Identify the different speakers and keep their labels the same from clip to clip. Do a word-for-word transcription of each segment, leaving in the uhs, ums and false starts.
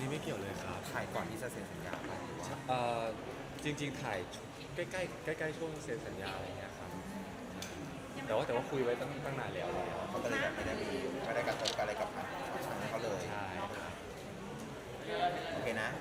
Speaker 1: นี้ไม่เกี่ยวเลยครับ
Speaker 2: ถ่ายก่อนที่จะเซ็นสัญญาไปหรือว่า
Speaker 1: เอ่อจริงๆถ่ายใกล้ๆใกล้ๆช่วงเซ็นสัญญาอะไรเงี้ยครับแต่ว่าแต่ว่าคุยไว้ตั้งตั้งนานแล้วอะไรเงี้ย
Speaker 2: เขาก็เลยแบบไม่ได้มีไม่ได้กระทบอะไรกับทางเขาเลย
Speaker 1: ใช่ครับ
Speaker 2: โอเคนะ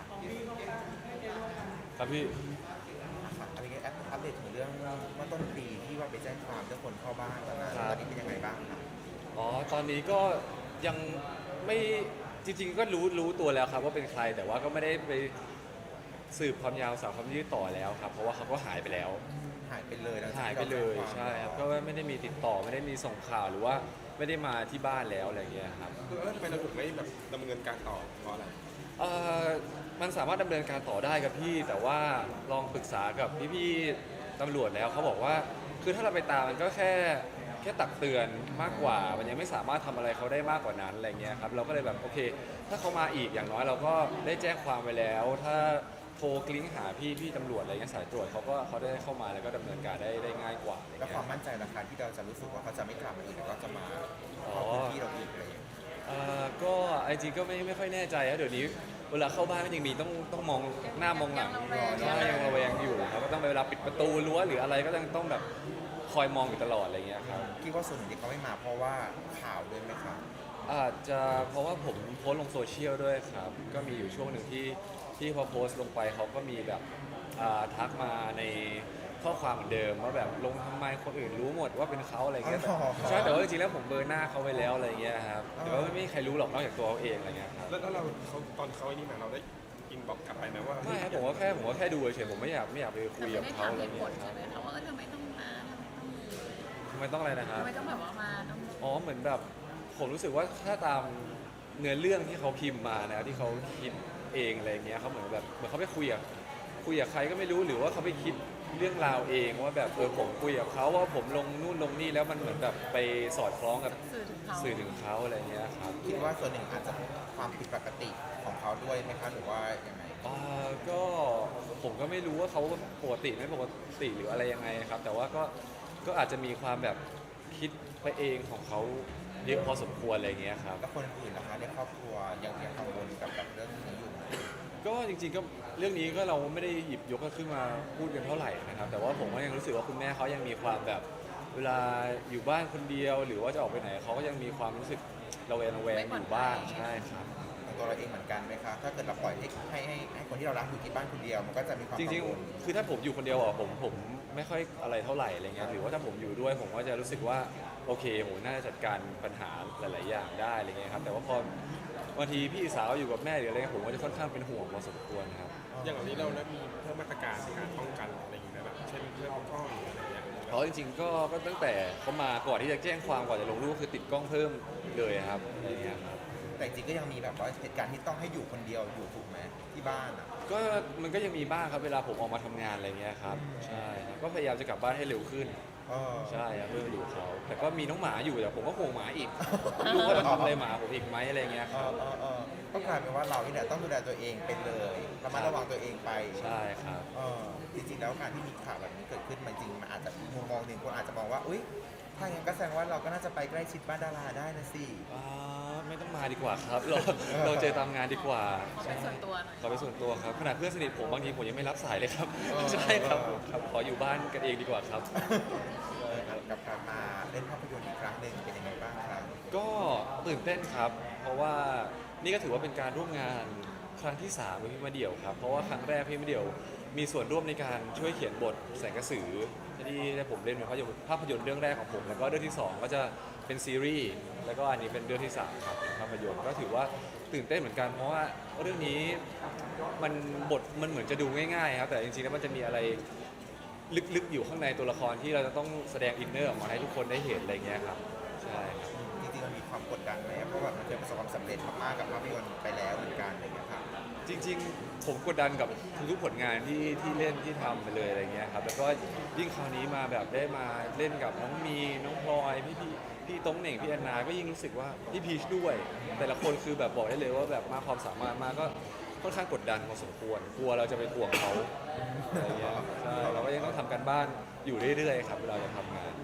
Speaker 1: ครับพี่
Speaker 2: ค่ะอะไรเงี้ยอัปเดตถึงเรื่องเมื่อต้นปีที่ว่าไปแจ้งความเรื่องคนเข้าบ้านตอนนั้นตอนนี้เป็นยังไงบ้างคะ
Speaker 1: อ๋อตอนนี้ก็ยังไม่จริงๆก็รู้รู้ตัวแล้วครับว่าเป็นใครแต่ว่าก็ไม่ได้ไปสืบความยาวสาวความยืดต่อแล้วครับเพราะว่าเขาก็หายไปแล้ว
Speaker 2: หายไปเลยแล้ว
Speaker 1: หายไปเลยใช่ครับก็ไม่ได้มีติดต่อไม่ได้มีส่งข่าวหรือว่าไม่ได้มาที่บ้านแล้วอะไรเงี้ยครับ
Speaker 3: คือทำไมเราถึงไม่แบบดำเนินการต่อเพราะอะไร
Speaker 1: เอ่อมันสามารถดำเนินการต่อได้ครับพี่แต่ว่าลองปรึกษากับพี่ๆตำรวจแล้วเขาบอกว่าคือถ้าเราไปตามมันก็แค่แค่ตักเตือนมากกว่ามันยังไม่สามารถทำอะไรเขาได้มากกว่านั้นอะไรเงี้ยครับเราก็เลยแบบโอเคถ้าเขามาอีกอย่างน้อยเราก็ได้แจ้งความไปแล้วถ้าโทรกลิ้งหาพี่พี่ตำรวจอะไรเงี้ยสายตรวจเขาก็เขาได้เข้ามาแล้วก็ดำเนินการได้ได้ง่ายกว่า
Speaker 2: แล้วความมั่นใจราคาที่เราจะรู้สึกว่าเขาจะไม่กลับมาอีกแล้วก็จะมาเข้าพื้นที่เราอีกอะไรอย่างเงี้ย
Speaker 1: เอ่อก็จริงๆก็ไม่ไม่ค่อยแน่ใจนะเดี๋ยวนี้เวลาเข้าบ้านก็ยังมีต้องต้องมองหน้ามองหลังใช่ยังระแวงอยู่ครับก็ต้องเวลาปิดประตูรั้วหรืออะไรก็ต้องต้องแบบคอยมองอยู่ตลอดอะไรเงี้ยครับ
Speaker 2: คิดว่าส่วนหนึ่งที่เขาไม่มาเพราะว่าข่าวด้วยไหมครับ
Speaker 1: อาจจะเพราะว่าผมโพสต์ลงโซเชียลด้วยครับก็มีอยู่ช่วงหนึ่งที่ที่พอโพสต์ลงไปเขาก็มีแบบอ่าทักมาในข้อความเหมือนเดิมว่าแบบลงทำไมคนอื่นรู้หมดว่าเป็นเขาอะไรเงี้ยใช่แต่ว่าจริงๆแล้วผมเบอร์หน้าเขาไว้แล้วอะไรเงี้ยครับแต่ว่าไม่มีใครรู้หรอกนอกจากตัวเขาเองอะไรเงี้ยครับ
Speaker 3: แล้วแล้วเราเขาตอนเขาไอ้นี่มาเราได้อินบอกกลับไปไหมว่า
Speaker 1: ไม่ครับผมก็แค่ผมก็แค่ดูเฉยๆผมไม่อยากไม่อยากไปคุยกับเขาอะไรเงี้ยค
Speaker 4: ใช่
Speaker 1: รับ
Speaker 4: ไหมคะว่าทำไมต้องมาทำไมต้อง
Speaker 1: ทำไมต้องอะไรนะครับ
Speaker 4: ทำไมต้องแบบว่ามาต้อง
Speaker 1: อ๋อเหมือนแบบผมรู้สึกว่าถ้าตามเนื้อเรื่องที่เขาพิมพ์มานะที่เขาคิดเองอะไรเงี้ยเขาเหมือนแบบเหมือนเขาไปคุยกับคุยกับใครก็ไม่รู้หรือว่าเขาไปคิดเรื่องราวเองว่าแบบเออผมคุยกับเขาว่าผมลงนู่นลงนี่แล้วมันเหมือนแบบไปสอดคล้องกับ
Speaker 4: สื่อถึงเขา
Speaker 1: สื่อถึงเขาอะไรเงี้ยครับ
Speaker 2: คิดว่าส่วนหนึ่งอาจจะความผิดปกติของเขาด้วยไหมคะหรือว่ายังไง
Speaker 1: อ่าก็ผมก็ไม่รู้ว่าเขาปกติไม่ปกติหรืออะไรยังไงครับแต่ว่าก็ก็อาจจะมีความแบบคิดไปเองของเขาเยอะพอสมควรอะไรเงี้ยครับ
Speaker 2: แล้วคนอื่นนะคะในครอบครัวยังยังกังวลกับกับเรื่องนี้อยู่ไหม
Speaker 1: ก็จริงๆก็เรื่องนี้ก็เราไม่ได้หยิบยกขึ้นมาพูดกันเท่าไหร่นะครับแต่ว่าผมก็ยังรู้สึกว่าคุณแม่เขายังมีความแบบเวลาอยู่บ้านคนเดียวหรือว่าจะออกไปไหนเขาก็ยังมีความรู้สึกระแวงระแวงอยู่บ้างใช่ครับ
Speaker 2: ตัวเราเองเหมือนกันไหมคะถ้าเกิดเราปล่อยให้ให้ให้ให้คนที่เรารักอยู่ที่บ้านคนเดียวมันก็จะมีความ
Speaker 1: จริงๆคือถ้าผมอยู่คนเดียวอ่ะผมผมไม่ค่อยอะไรเท่าไหร่อะไรเงี้ยหรือว่าถ้าผมอยู่ด้วยผมก็จะรู้สึกว่าโอเคผมน่าจะจัดการปัญหาหลายๆอย่างได้อะไรเงี้ยครับแต่ว่าพอบางทีพี่สาวอยู่กับแม่หรืออะไรผมก็จะค่อนข้างเป็นห่วงพอสมควรครับ
Speaker 3: อย่างนี้เราได้มีเพิ่มมาตรการในการป้องกันอะไรอย่างเงี้ยแบบเช่นเรื่องกล้องหรืออะไรอย่างเงี้ย
Speaker 1: เพราะจริงๆก็ก็ตั้งแต่เขามาก่อนที่จะแจ้งความก่อนจะลงรูปคือติดกล้องเพิ่มเลยครับอะไรเงี้ยครับ
Speaker 2: แต่จริงก็ยังมีแบบว่าเหตุการณ์ที่ต้องให้อยู่คนเดียวอยู่ถูกไหมที่บ้านอ่ะ
Speaker 1: ก็มันก็ยังมีบ้างครับเวลาผมออกมาทำงานอะไรเงี้ยครับใช่ก็พยายามจะกลับบ้านให้เร็วขึ้นใช่ครับเพื่ออยู่เขาแต่ก็มีน้องหมาอยู่แต่ผมก็ห่วงหมาอีกลูกก็จะทำอะไรหมาผมอีกไหมอะไรเงี้ยครับ
Speaker 2: ก็กลายเป็นว่าเราที่เนี่ยต้องดูแลตัวเองเป็นเลยระมัดระวังตัวเองไป
Speaker 1: ใช่ครับ
Speaker 2: จริงๆแล้วการที่มีข่าวแบบนี้เกิดขึ้นมันจริงมันอาจจะมุมมองหนึ่งคนอาจจะมองว่าอุ้ยถ้าอย่างนั้นก็แสดงว่าเราก็น่าจะไปใกล้ชิดบ้านดาราได้นะสิ
Speaker 1: ไม่ต้องมาดีกว่าครับเราเราเจอตามงานดีกว่า
Speaker 4: ขอเป็นส่วนตัวหน่อย
Speaker 1: ขอเป็นส่วนตัวครับขนาดเพื่อนสนิทผมบางทีผมยังไม่รับสายเลยครับใช่ครับครับขออยู่บ้านกันเองดีกว่าครับ
Speaker 2: กับการมาเล่นภาพยนตร์อีกครั้งหนึ่งเป็นยังไงบ้างครับ
Speaker 1: ก็ตื่นเต้นครับ เพราะว่านี่ก็ถือว่าเป็นการร่วมงานครั้งที่สามกับพี่มาเดี่ยวครับเพราะว่าครั้งแรกพี่มาเดี่ยวมีส่วนร่วมในการช่วยเขียนบทแสงกระสือที่ได้ผมเล่นเป็นภาพยนตร์ภาพยนตร์เรื่องแรกของผมแล้วก็เรื่องที่สองก็จะเป็นซีรีส์แล้วก็อันนี้เป็นเรื่องที่สามครับภาพยนตร์ก็ถือว่าตื่นเต้นเหมือนกันเพราะว่าเรื่องนี้มันบทมันเหมือนจะดูง่ายๆครับแต่จริงๆแล้วมันจะมีอะไรลึกๆอยู่ข้างในตัวละครที่เราจะต้องแสดงอินเนอร์ออกมาให้ทุกคนได้เห็นอะไรเงี้ยครับใช่ครับ
Speaker 2: จริงๆมันมีความกดดันไหมเพราะว่ามันเคยประสบความสำเร็จมากๆกับภาพยนตร์ไปแล้วเหมือนกันอะไรเงี้ยครับ
Speaker 1: จริงๆผมกดดันกับทุกผลงานที่ที่เล่นที่ทำไปเลยอะไรเงี้ยครับแล้วก็ยิ่งคราวนี้มาแบบได้มาเล่นกับน้องมีน้องพลอยพี่พี่พี่ต้งเหน่งพี่แอนนาก็ยิ่งรู้สึกว่าพี่พีชด้วยแต่ละคนคือแบบบอกได้เลยว่าแบบมาความสามารถมาก็ค่อนข้างกดดันพอสมควรกลัวเราจะไปห่วงเขาอะไรเงี้ยใช่เราก็ยังต้องทำการบ้านอยู่เรื่อยๆครับเวลาจะทำงาน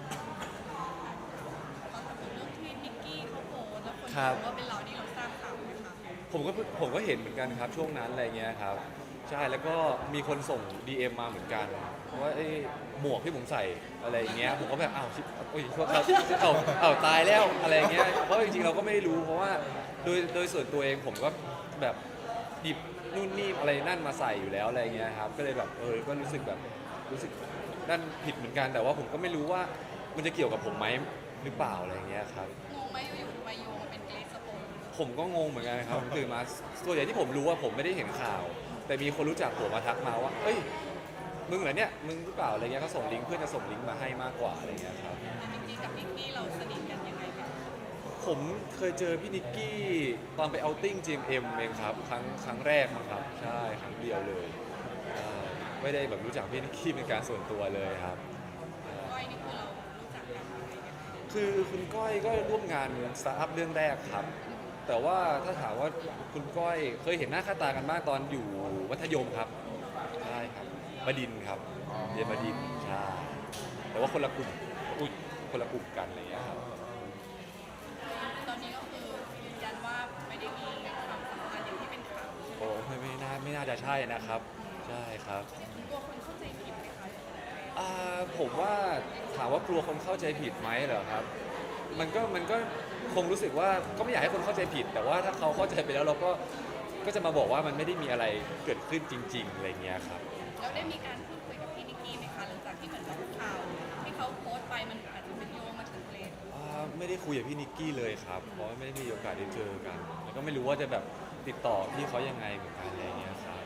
Speaker 4: เรื่องที่นิกกี้เขาโพสแล้วคน
Speaker 1: ครับ
Speaker 4: ว่าเป็นเรานี่เราทราบข่าวไหมคะ
Speaker 1: ผมก็ผมก็เห็นเหมือนกันครับช่วงนั้นอะไรเงี้ยครับใช่แล้วก็มีคนส่ง ดี เอ็ม มาเหมือนกันว่าไอ้หมวกที่ผมใส่อะไรอย่างเงี้ยผมก็แบบอ้าวชิบโอ้ยโทษครับเอาเอาตายแล้วอะไรเงี้ยเพราะจริงๆเราก็ไม่ได้รู้เพราะว่าโดยโดยส่วนตัวเองผมก็แบบหยิบนู่นนี่อะไรนั่นมาใส่อยู่แล้วอะไรเงี้ยครับก็เลยแบบเออก็รู้สึกแบบรู้สึกนั่นผิดเหมือนกันแต่ว่าผมก็ไม่รู้ว่ามันจะเกี่ยวกับผมไหมหรือเปล่าอะไรเงี้ยครับ
Speaker 4: งงไหมอยู่ๆมาโยงมาเป็นเกรซสโปน
Speaker 1: ผมก็งงเหมือนกันครับผมตื่นมาส่วนใหญ่ที่ผมรู้ว่าผมไม่ได้เห็นข่าว แต่มีคนรู้จักผมมาทักมาว่าเอ้ยมึงเหรอเนี่ยมึงหรือเปล่าอะไรเงี้ยเขาส่งลิงก์เพื่อนจะส่งลิงก์มาให้มากกว่าอะไรเงี้ยครับ
Speaker 4: จริงๆกับนิกกี้เราสนิทกันยังไงกัน
Speaker 1: ผมเคยเจอพี่นิกกี้ตอนไปเอาท์ติ้ง จี เอ็ม เอ็ม เองครับครั้งครั้งแรกมั้งครับใช่ครั้งเดียวเลยใช่ไม่ได้แบบรู้จักพี่นิกกี้เป็นการส่วนตัวเลยครับ
Speaker 4: ก้อยนี่คือเรารู้จักกันยังไงกัน
Speaker 1: คือคุณก้อยก็ร่วมงานสตาร์ทอัพเรื่องแรกครับ แต่ว่าถ้าถามว่าคุณก้อยเคยเห็นหน้าค่าตากันมากตอนอยู่มัธยมครับใช่ครับบดินทร์ครับเรียนบดินทร์ใช่แต่ว่าคนละกลุ่มอุ้ยคนละกลุ่มกันอะไรอย่างเงี้ยครับ
Speaker 4: ตอนนี้ก็คือยืนยันว่าไม่ได้มีความสัมพันธ์อย่างที่เป็นข่าว
Speaker 1: โอ้ไม่ไม่น่าไม่น่าจะใช่นะครับใช่ครับ
Speaker 4: กลัวคนเข้าใจผิดไหมคะ
Speaker 1: อ่าผมว่าถามว่ากลัวคนเข้าใจผิดไหมเหรอครับ มันก็มันก็คงรู้สึกว่าก็ไม่อยากให้คนเข้าใจผิด แต่ว่าถ้าเขาเข้าใจไปแล้วเราก็ก็จะมาบอกว่ามันไม่ได้มีอะไรเกิดขึ้นจริงๆอะไรเงี้ยครับ
Speaker 4: แล้วได้มีการพูดคุยกับพี่นิกกี้ไหมคะหลังจากที่เหมือนกับข่าวที่เขาโพสต์ไปมันอาจจะเป็นโยงมาถึงเกรซ
Speaker 1: อ่าไม่ได้คุยกับพี่นิกกี้เลยครับ เพราะว่าไม่ได้มีโอกาสได้เจอกัน แล้วก็ไม่รู้ว่าจะแบบติดต่อพี่เขายังไงเหมือนกันอะไรเงี้ยครับ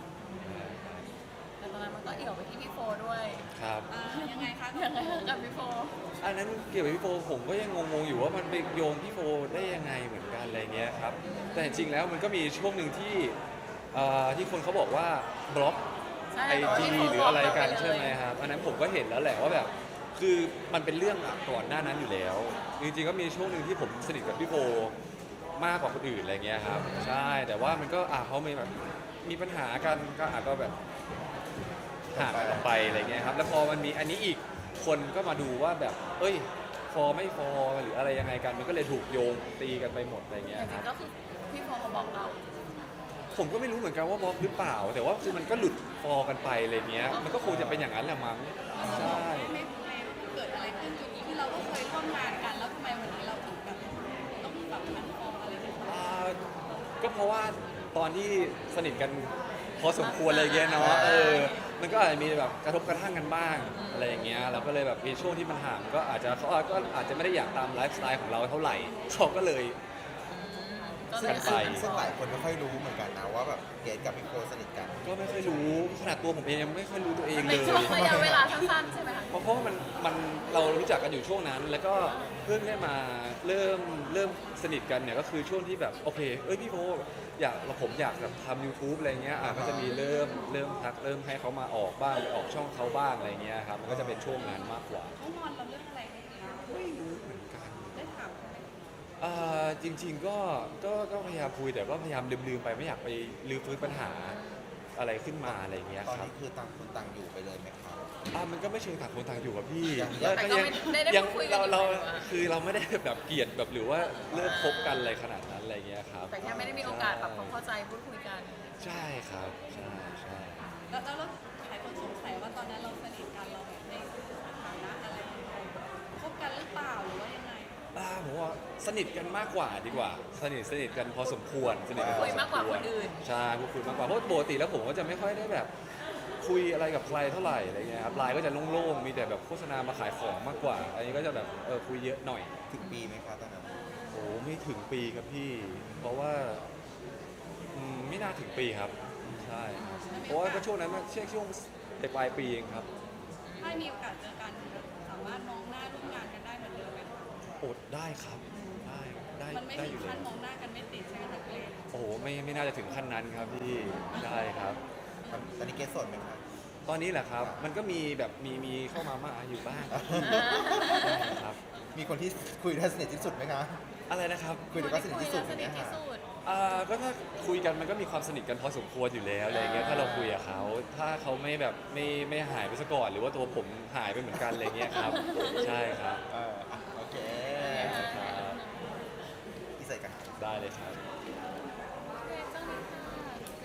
Speaker 4: แต่ตอนนั้นมันก็เอี่ยวไปที่พี่โฟด้วย
Speaker 1: ครับ
Speaker 4: อ่ายังไงคะยังไงกับพี่โฟ
Speaker 1: อันนั้นเกี่ยวกับพี่โฟผมก็ยังงงๆอยู่ว่ามันไปโยงพี่โฟได้ยังไงเหมือนกันอะไรเงี้ยครับ แต่จริงๆแล้วมันก็มีช่วงหนึ่งที่เอ่อที่คนเขาบอกว่าบล็อก
Speaker 4: ใช่
Speaker 1: ไอ
Speaker 4: แต่ว่า
Speaker 1: จี
Speaker 4: พี่โฟ
Speaker 1: หรืออะไรกัน
Speaker 4: บกปเลย
Speaker 1: ใช่ไหมครับอันนั้นผมก็เห็นแล้วแหละว่าแบบคือมันเป็นเรื่องก่อนหน้านั้นอยู่แล้ว จริงๆก็มีช่วงหนึ่งที่ผมสนิทกับพี่โฟมากกว่าคนอื่นอะไรเงี้ยครับใช่แต่ว่ามันก็อ่ะเขามีแบบมีปัญหากันก็อาจก็แบบห่างกันออกไปอะไรเงี้ยครับแล้วพอมันมีอันนี้อีกคนก็มาดูว่าแบบเอ้ยฟอร์ไม่ฟอร์หรืออะไรยังไงกัน มันก็เลยถูกโยงตีกันไปหมดอะไรเงี้ย
Speaker 4: จ
Speaker 1: ค
Speaker 4: ริ
Speaker 1: รั
Speaker 4: ง
Speaker 1: บ
Speaker 4: ๆก็คือพี่โฟเขาบอกเรา
Speaker 1: ผมก็ไม่รู้เหมือนกันว่าบล็อกหรือเปล่า แต่ว่าคือมันก็หลุดฟอร์กันไปอะไรเงี้ย มันก็คงจะเป็นอย่างนั้นแหละมั้งใช่
Speaker 4: ไม่ไม่เกิดอะไรขึ้นจุดนี้ที่เราก็เคยร่วมงานกันแล้วทำไมวันนี้เราถึงแบบต้องแบบมันฟองอะไรกัน
Speaker 1: อ่าก็เพราะว่าตอนที่สนิทกันพอสมควรอะไรเงี้ยเนาะเออมันก็อาจจะมีแบบกระทบกระทั่งกันบ้างอะไรอย่างเงี้ยเราก็เลยแบบมีช่วงที่มันห่างก็อาจจะเขาก็อาจจะไม่ได้อยากตามไลฟ์สไตล์ของเราเท่าไหร่เขาก็เลย
Speaker 4: ก็เล
Speaker 1: กั
Speaker 4: ย
Speaker 1: นไป
Speaker 2: ซึ่งหลายคนไม่ค่อยรู้เหมือนกันนะว่าแบบเกดกับพี่โฟสนิทกัน
Speaker 1: ก็ไม่ค่อยรู้ขนาดตัวผมเองยังไม่ค่อยรู้ตัวเองเล
Speaker 4: ใน
Speaker 1: ย
Speaker 4: ช่วงระยะเวลาสั้นๆใช่ไหมคะ
Speaker 1: เพราะเพราะว่ามันมันเรารู้จักกันอยู่ช่วงนั้น แล้วก็เพิ่งได้มาเริ่มเริ่มสนิทกันเนี่ยก็คือช่วงที่แบบโอเคเอ้ยพี่โพอยากเราผมอยากแบบทำ YouTube อะไรเงี้ยอ่ะก็จะมีเริ่มเริ่มทักเริ่มให้เขามาออกบ้างไปออกช่องเขาบ้างอะไรเงี้ยครับมันก็จะเป็นช่วงนั้นมากกว่า
Speaker 4: เขางอนเราเรื่องอะไรคะ
Speaker 1: ไม่รู้เหมือนกัน
Speaker 4: ได้ถามเขาไหม
Speaker 1: เอ่อจริง ๆก็ก็ก็พยายามคุยแต่ก็พยายามลืมๆไปไม่อยากไปลืมฟื้นปัญหาอะไรขึ้นมาอะไรเงี้ย
Speaker 2: ตอน
Speaker 1: ครับ
Speaker 2: นี้คือต่างคนต่างอยู่ไปเลยไหมครับ
Speaker 1: อ่ะมันก็ไม่เชิงต่างคนต่างอยู่กับพี่
Speaker 2: ยัง
Speaker 1: แล้ว
Speaker 4: แต่
Speaker 1: ก็
Speaker 4: ก็
Speaker 1: ยัง
Speaker 4: ไม่ได้
Speaker 1: ยั
Speaker 4: พูดคุยกั
Speaker 1: เรา
Speaker 4: น
Speaker 1: เรา
Speaker 4: อยู่อะ
Speaker 1: คือเราไม่ได้แบบเกลียดแบบหรือว่าเลิกคบกันอะไรขนาดนั้นอะไรเงี้ยครับ
Speaker 4: แต่แค่ไม่ได้มีโอกาสปรับความเข้าใจพูดคุยกัน
Speaker 1: ใช่ครับใช่ใช่
Speaker 4: แล้วแล้วแล้วหลายคนสงสัยว่าตอนนั้นเราสนิทกันเราแบบในฐานะอะไรคบกันหรือเปล่าหรือว่ายังไง
Speaker 1: อ่าผมว่าสนิทกันมากกว่าดีกว่า สนิทสนิทกันพอสมควรสนิทกันพอ
Speaker 4: คุย
Speaker 1: ส
Speaker 4: มากกว่า
Speaker 1: ควร
Speaker 4: คนอื่น
Speaker 1: ใช่พูดคุยมากกว่าเพราะปกติแล้วผมก็จะไม่ค่อยได้แบบคุยอะไรกับใครเท่าไหร่อะไรเงี้ยครับไลน์ก็จะโล่งๆมีแต่แบบโฆษณามาขายของมากกว่า อันนี้ก็จะแบบเออคุยเยอะหน่อย
Speaker 2: ถึงปีไหมครับตอนนั้น
Speaker 1: โอ้ไม่ถึงปีครับพี่ เพราะว่าอืมไม่น่าถึงปีครับใช่ครับเพราะว่าก็ช่วงนั้นมันช่วงช่วงปลายปีเองครับ
Speaker 4: ถ้ามีโอกาสเจอกันสามารถมองหน้าร่วมงานกันได้เหมือนเดิมไหมคะ
Speaker 1: โอดได้ครับได้ได้
Speaker 4: มันไม่
Speaker 1: ได้อ
Speaker 4: ถึง
Speaker 1: ยู่เล
Speaker 4: ขั้
Speaker 1: ย
Speaker 4: นมองหน้ากันไม่ติดใช่ไหมคะเกรซ
Speaker 1: โอ้โหไม่ไม่น่าจะถึงขั้นนั้นครับพี่ได้ครับ
Speaker 2: ตอนนี้เกดโสดไหมครับ
Speaker 1: ตอนนี้แหละครับ มันก็มีแบบมีมีเข้ามามาอยู่บ้างครับ
Speaker 2: มีคนที่คุยได้สนิทที่สุดไหมคะ
Speaker 1: อะไรนะครับ
Speaker 2: คุยได้สนิทที่สุด
Speaker 4: ส
Speaker 2: อย่าง
Speaker 4: นิ
Speaker 2: เงี้
Speaker 4: ท
Speaker 2: ย
Speaker 4: ที่
Speaker 2: ค่ะ
Speaker 4: สุด
Speaker 1: อ่าก็ถ้าคุยกันมันก็มีความสนิทกันพอสมควรอยู่แล้วอะไรเงี้ยถ้าเราคุยกับเขาถ้าเขาไม่แบบไม่ไม่หายไปซะก่อนหรือว่าตัวผมหายไปเหมือนกันอะไรเงี้ยครับใช่ครับ
Speaker 2: เอออ่ะโอเค
Speaker 1: ครับ
Speaker 2: พี่ใส่กัน
Speaker 1: ได้เลยครับ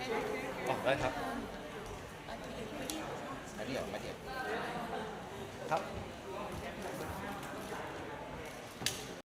Speaker 1: อ๋อได้ครับ
Speaker 2: อันนี้เดี๋ยวมาเดี๋ยว
Speaker 1: ครับ